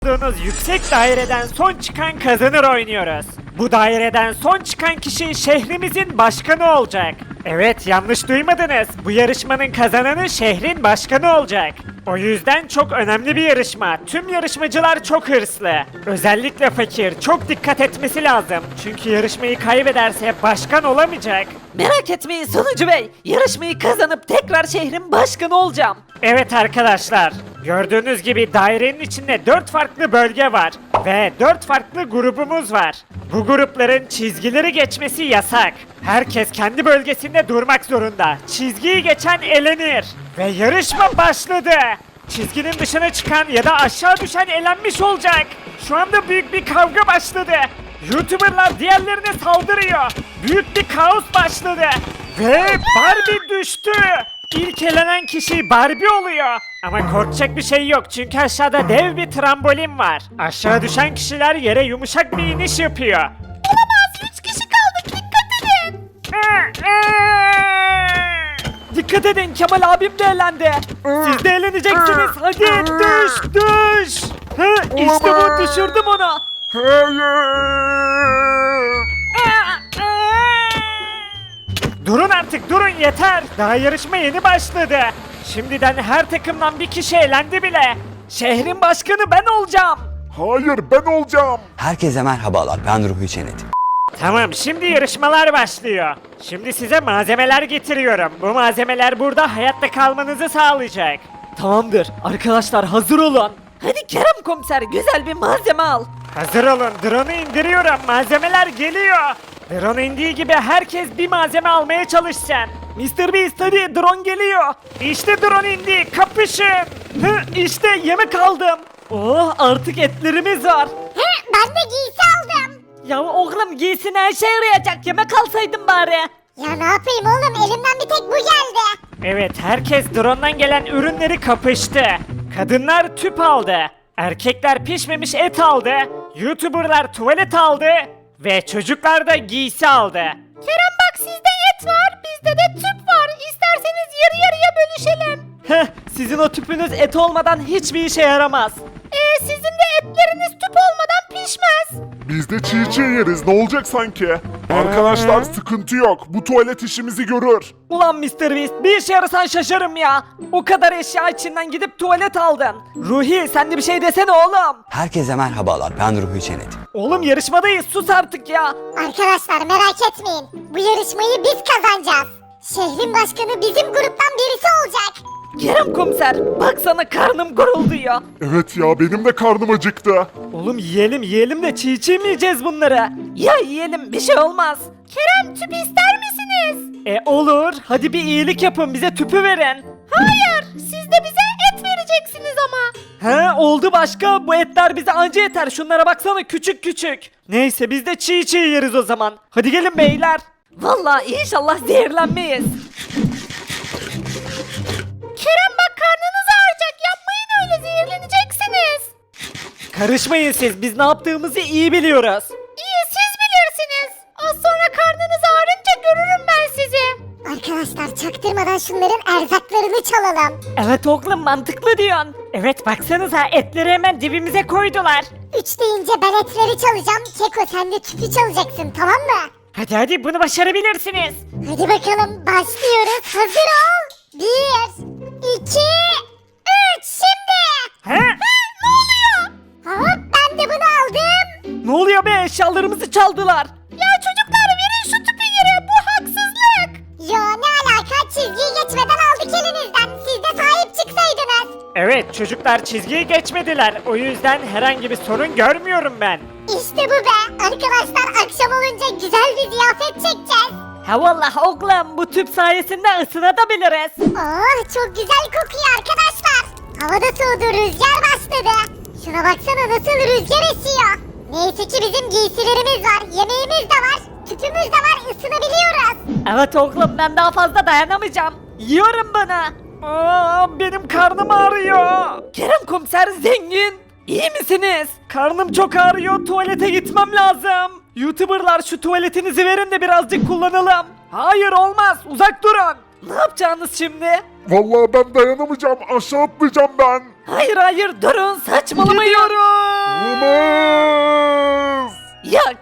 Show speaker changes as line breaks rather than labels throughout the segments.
tuttuğunuz yüksek daireden son çıkan kazanır oynuyoruz. Bu daireden son çıkan kişi şehrimizin başkanı olacak. Evet, yanlış duymadınız. Bu yarışmanın kazananı şehrin başkanı olacak. O yüzden çok önemli bir yarışma. Tüm yarışmacılar çok hırslı. Özellikle fakir çok dikkat etmesi lazım. Çünkü yarışmayı kaybederse başkan olamayacak.
Merak etmeyin Sonucu Bey. Yarışmayı kazanıp tekrar şehrin başkanı olacağım.
Evet arkadaşlar, gördüğünüz gibi dairenin içinde 4 farklı bölge var ve 4 farklı grubumuz var. Bu grupların çizgileri geçmesi yasak. Herkes kendi bölgesinde durmak zorunda. Çizgiyi geçen elenir ve yarışma başladı. Çizginin dışına çıkan ya da aşağı düşen elenmiş olacak. Şu anda büyük bir kavga başladı. YouTuber'lar diğerlerine saldırıyor. Büyük bir kaos başladı ve Barbie düştü. İlk elenen kişi Barbie oluyor. Ama korkacak bir şey yok çünkü aşağıda dev bir trambolin var. Aşağı düşen kişiler yere yumuşak bir iniş yapıyor.
Olamaz 3 kişi kaldık dikkat edin. Dikkat edin Kemal abim de elendi.
Siz de eğleneceksiniz. Hadi düş. İşte bu, düşürdüm onu. Durun artık, durun yeter. Daha yarışma yeni başladı. Şimdiden her takımdan bir kişi elendi bile. Şehrin başkanı ben olacağım.
Hayır, ben olacağım.
Herkese merhabalar, ben Ruhi Çenet.
Tamam, şimdi yarışmalar başlıyor. Şimdi size malzemeler getiriyorum. Bu malzemeler burada hayatta kalmanızı sağlayacak.
Tamamdır arkadaşlar hazır olun. Hadi Kerem komiser güzel bir malzeme al.
Hazır olun, drone'u indiriyorum. Malzemeler geliyor. Drone indiği gibi herkes bir malzeme almaya çalışsın. Mr. Beast hadi, drone geliyor. İşte drone indi, kapışın. İşte yemek aldım. Oh, artık etlerimiz var.
Ben de giysi aldım.
Ya oğlum giysin her şey yarayacak yemek alsaydın bari.
Ya ne yapayım oğlum, elimden bir tek bu geldi.
Evet, herkes drone'dan gelen ürünleri kapıştı. Kadınlar tüp aldı. Erkekler pişmemiş et aldı. YouTuber'lar tuvalet aldı. Ve çocuklar da giysi aldı.
Kerem bak sizde et var bizde de tüp var. İsterseniz yarı yarıya bölüşelim.
Sizin o tüpünüz et olmadan hiçbir işe yaramaz.
Sizin de etleriniz tüp olmadan pişmez.
Biz de çiğ çiğ yeriz, ne olacak sanki? Arkadaşlar sıkıntı yok, bu tuvalet işimizi görür.
Ulan Mr. Beast bir işe yarasan şaşarım ya. O kadar eşya içinden gidip tuvalet aldın. Ruhi sen de bir şey desene oğlum.
Herkese merhabalar, ben Ruhi Çenet.
Oğlum yarışmadayız, sus artık ya.
Arkadaşlar merak etmeyin. Bu yarışmayı biz kazanacağız. Şehrin başkanı bizim gruptan birisi olacak.
Kerem komiser baksana karnım gurulduyor.
Evet ya, benim de karnım acıktı.
Oğlum yiyelim de çiğ çiğ mi yiyeceğiz bunları?
Ya yiyelim bir şey olmaz. Kerem tüp ister misiniz?
Olur, hadi bir iyilik yapın, bize tüpü verin.
Hayır siz de bize et vereceksiniz ama.
Oldu başka, bu etler bize anca yeter, şunlara baksana küçük küçük. Neyse biz de çiğ çiğ yeriz o zaman. Hadi gelin beyler.
Vallahi inşallah zehirlenmeyiz. Kerem bak karnınız ağrıyacak yapmayın öyle zehirleneceksiniz.
Karışmayın siz, biz ne yaptığımızı iyi biliyoruz.
İyi siz bilirsiniz. Az sonra karnınız ağrınca görürüm ben sizi.
Arkadaşlar çaktırmadan şunların erzaklarını çalalım.
Evet oğlum mantıklı diyorsun.
Evet baksanıza, etleri hemen dibimize koydular.
3 deyince ben etleri çalacağım. Keko sen de tüpü çalacaksın, tamam mı?
Hadi bunu başarabilirsiniz.
Hadi bakalım başlıyoruz. Hazır ol. 1, 2, 3 şimdi.
He?
Ne oluyor? Hop ben de bunu aldım.
Ne oluyor be, eşyalarımızı çaldılar.
Ya çocuklar verin şu tüpü yere, bu haksızlık. Ya ne alaka, çizgiyi geçmeden aldık elinizden. Siz de sahip çıksaydınız.
Evet, çocuklar çizgiyi geçmediler. O yüzden herhangi bir sorun görmüyorum ben.
İşte bu be. Arkadaşlar akşam olunca güzel bir ziyafet çekeceğiz.
Ha vallahi oğlum bu tüp sayesinde ısınabiliriz.
Oh çok güzel kokuyor arkadaşlar. Hava da soğudu, rüzgar başladı. Şuna baksana nasıl rüzgar esiyor. Neyse ki bizim giysilerimiz var, yemeğimiz de var, tüpümüz de var, ısınabiliyoruz.
Evet oğlum ben daha fazla dayanamayacağım. Yiyorum bunu.
Benim karnım ağrıyor.
Kerem komiser zengin. İyi misiniz?
Karnım çok ağrıyor, tuvalete gitmem lazım. YouTuber'lar şu tuvaletinizi verin de birazcık kullanalım. Hayır olmaz, uzak durun.
Ne yapacağınız şimdi?
Vallahi ben dayanamayacağım, aşağı atlayacağım ben.
Hayır durun saçmalamayın.
Gidiyorum.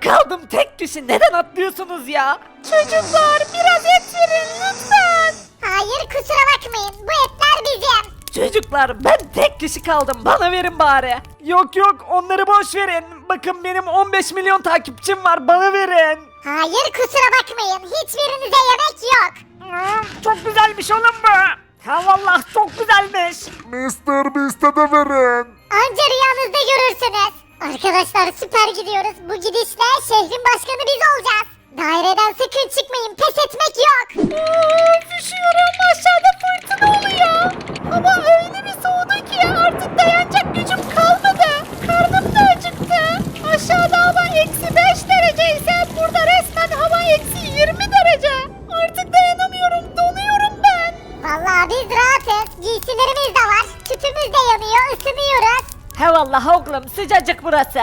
Kaldım tek kişi, neden atlıyorsunuz ya? Çocuklar biraz et verin lütfen.
Hayır kusura bakmayın bu etler bizim.
Çocuklar ben tek kişi kaldım, bana verin bari. Yok yok, onları boş verin. Bakın benim 15 milyon takipçim var, bana verin.
Hayır kusura bakmayın hiçbirinize yemek yok.
Çok güzelmiş oğlum bu. Ha vallahi çok güzelmiş.
Mr. Beast'e de verin.
Anca rüyanızda görürsünüz. Arkadaşlar süper gidiyoruz. Bu gidişle şehrin başkanı biz olacağız. Daireden sakın çıkmayın pes etmek yok.
Üşüyorum, aşağıda fırtına oluyor. Hava öyle bir soğudu ki artık dayanacak gücüm kalmadı. Karnım da acıktı. Aşağıda hava -5 derece ise burada resmen hava -20 derece. Artık dayanamıyorum, donuyorum ben.
Vallahi biz rahatız. Giysilerimiz de var. Tüpümüz de yanıyor. Isınıyoruz.
He vallahi oğlum, sıcacık burası.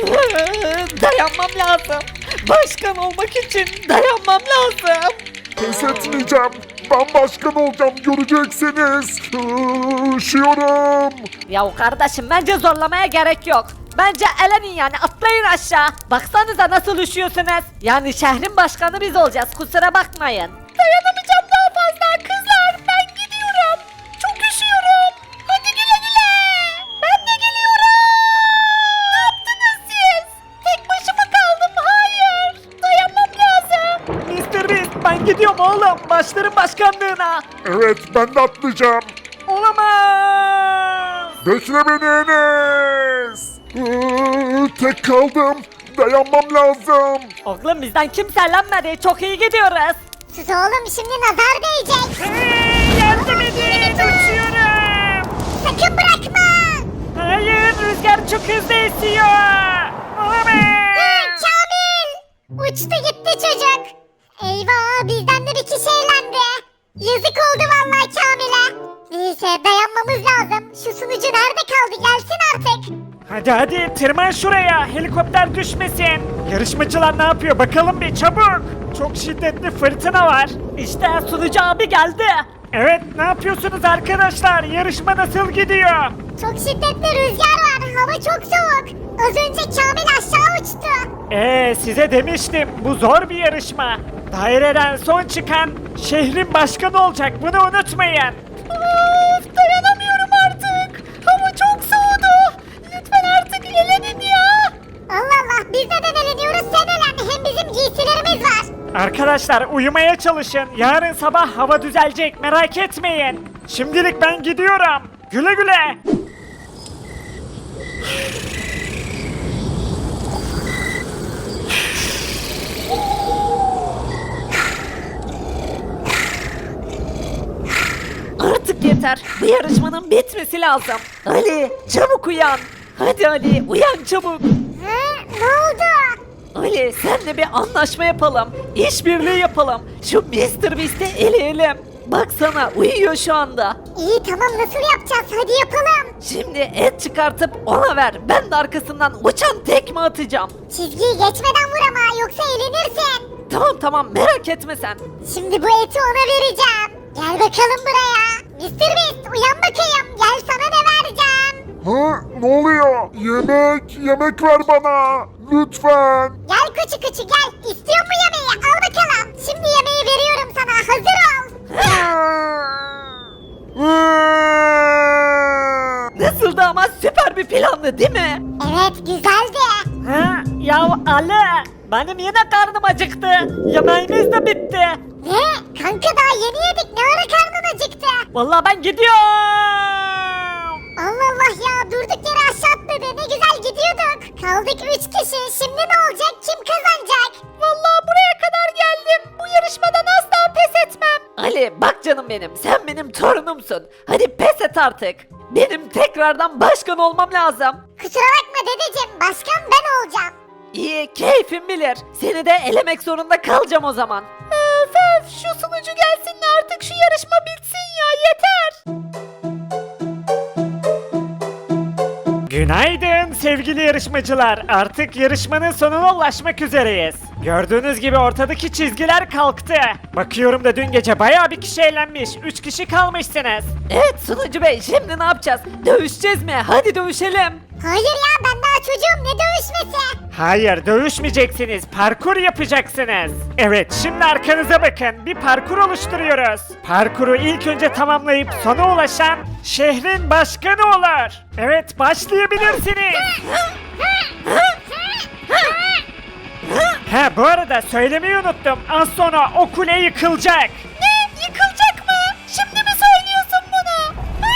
Dayanmam lazım. Başkan olmak için dayanmam lazım.
Pes etmeyeceğim. Ben başkan olacağım göreceksiniz. Üşüyorum.
Ya kardeşim bence zorlamaya gerek yok. Bence elenin yani, atlayın aşağı. Baksanıza nasıl üşüyorsunuz. Yani şehrin başkanı biz olacağız, kusura bakmayın. Dayanamayacağım daha fazla kızlar, ben gidiyorum. Çok üşüyorum. Hadi güle güle. Ben de geliyorum. Ne yaptınız siz? Tek başıma kaldım, hayır. Dayanmam lazım.
Mr. Beast ben gidiyorum oğlum. Başlarım başkanlığına.
Evet ben de atlayacağım.
Olamaz.
Bekle beni Enes. Tek kaldım. Dayanmam lazım.
Oğlum bizden kimse elenmedi, çok iyi gidiyoruz.
Sus oğlum şimdi nazar değecek.
Yardım edin. Uçuyorum.
Sakın bırakma.
Hayır rüzgar çok hızlı esiyor. Olamaz.
Kamil. Uçtu gitti çocuk. Eyvah bizden de bir kişi eğlendi. Yazık oldu vallahi Kamil'e. Neyse dayanmamız lazım. Şu sunucu nerede kaldı gelsin artık.
Hadi tırman şuraya. Helikopter düşmesin. Yarışmacılar ne yapıyor bakalım bir çabuk. Çok şiddetli fırtına var.
İşte sunucu abi geldi.
Evet ne yapıyorsunuz arkadaşlar? Yarışma nasıl gidiyor?
Çok şiddetli rüzgar var. Hava çok soğuk. Az önce Kamil aşağı uçtu.
Size demiştim bu zor bir yarışma. Daireden son çıkan şehrin başkanı olacak bunu unutmayın.
Of, dayanamıyorum artık. Hava çok soğudu. Lütfen artık elenin ya.
Allah Allah biz neden eleniyoruz sen elen. Hem bizim giysilerimiz var.
Arkadaşlar uyumaya çalışın. Yarın sabah hava düzelecek merak etmeyin. Şimdilik ben gidiyorum. Güle güle.
Artık yeter. Bu yarışmanın bitmesi lazım. Ali çabuk uyan. Hadi Ali uyan çabuk.
Ne oldu?
Ali senle bir anlaşma yapalım. İşbirliği yapalım. Şu Mr. Beast'i eleyelim. Baksana uyuyor şu anda.
İyi tamam nasıl yapacağız hadi yapalım.
Şimdi et çıkartıp ona ver. Ben de arkasından uçan tekme atacağım.
Çizgiyi geçmeden vur ama yoksa elenirsin.
Tamam merak etme sen.
Şimdi bu eti ona vereceğim. Gel bakalım buraya. Mr. Beast uyan bakayım. Gel sana ne vereceğim.
Ha, ne oluyor? Yemek ver bana. Lütfen.
Gel küçük küçük gel. İstiyor mu yemeği? Al bakalım. Şimdi yemeği veriyorum sana. Hazır ol.
Nasıldı ama, süper bir plandı değil mi?
Evet güzeldi.
Ha, ya Ali benim yine karnım acıktı. Yemeğimiz de bitti.
Ne? Kanka daha yeni yedik. Ne ara karnın acıktı?
Vallahi ben gidiyorum.
Allah Allah ya durduk yere aşağı atladı. Ne güzel gidiyorduk. Kaldık 3 kişi. Şimdi ne olacak? Kim kazanacak?
Vallahi buraya kadar geldim. Bu yarışmadan asla pes etmem. Ali bak canım benim, sen benim torunumsun. Hadi pes et artık. Benim tekrardan başkan olmam lazım.
Kusura bakma dedeciğim. Başkan ben olacağım.
İyi, keyfim bilir. Seni de elemek zorunda kalacağım o zaman. Öf şu sunucu gelsin de artık şu yarışma bitsin ya, yeter.
Günaydın sevgili yarışmacılar. Artık yarışmanın sonuna ulaşmak üzereyiz. Gördüğünüz gibi ortadaki çizgiler kalktı. Bakıyorum da dün gece bayağı bir kişi eğlenmiş. 3 kişi kalmışsınız.
Evet sunucu bey, şimdi ne yapacağız? Dövüşeceğiz mi? Hadi dövüşelim.
Hayır ya ben daha çocuğum, ne dövüşmesi?
Hayır, dövüşmeyeceksiniz. Parkur yapacaksınız. Evet, şimdi arkanıza bakın. Bir parkur oluşturuyoruz. Parkuru ilk önce tamamlayıp sona ulaşan şehrin başkanı olur. Evet, başlayabilirsiniz. Ha, bu arada söylemeyi unuttum. Az sonra o kule yıkılacak.
Ne? Yıkılacak mı? Şimdi mi söylüyorsun bunu?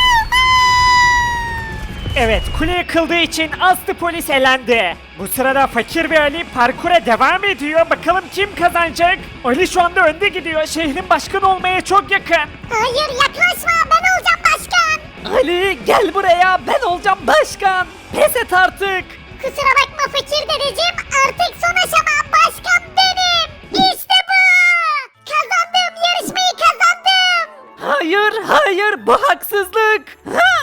Evet, kule yıkıldığı için Aslı polis elendi. Bu sırada Fakir ve Ali parkura devam ediyor. Bakalım kim kazanacak? Ali şu anda önde gidiyor. Şehrin başkanı olmaya çok yakın.
Hayır, yaklaşma, ben olacağım başkan.
Ali gel buraya, ben olacağım başkan. Pes et artık.
Kusura bakma fakir dedeciğim, artık son aşama, başkan benim. İşte bu. Kazandım, yarışmayı kazandım.
Hayır, hayır, bu haksızlık.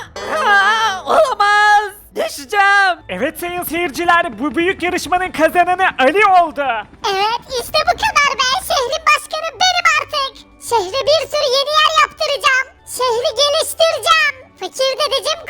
Olamaz. Düşeceğim.
Evet sayın seyirciler, bu büyük yarışmanın kazananı Ali oldu.
Evet, işte bu kadar be. Şehrin başkanı benim artık. Şehre bir sürü yeni yer yaptıracağım. Şehri geliştireceğim. Fakir dedeciğim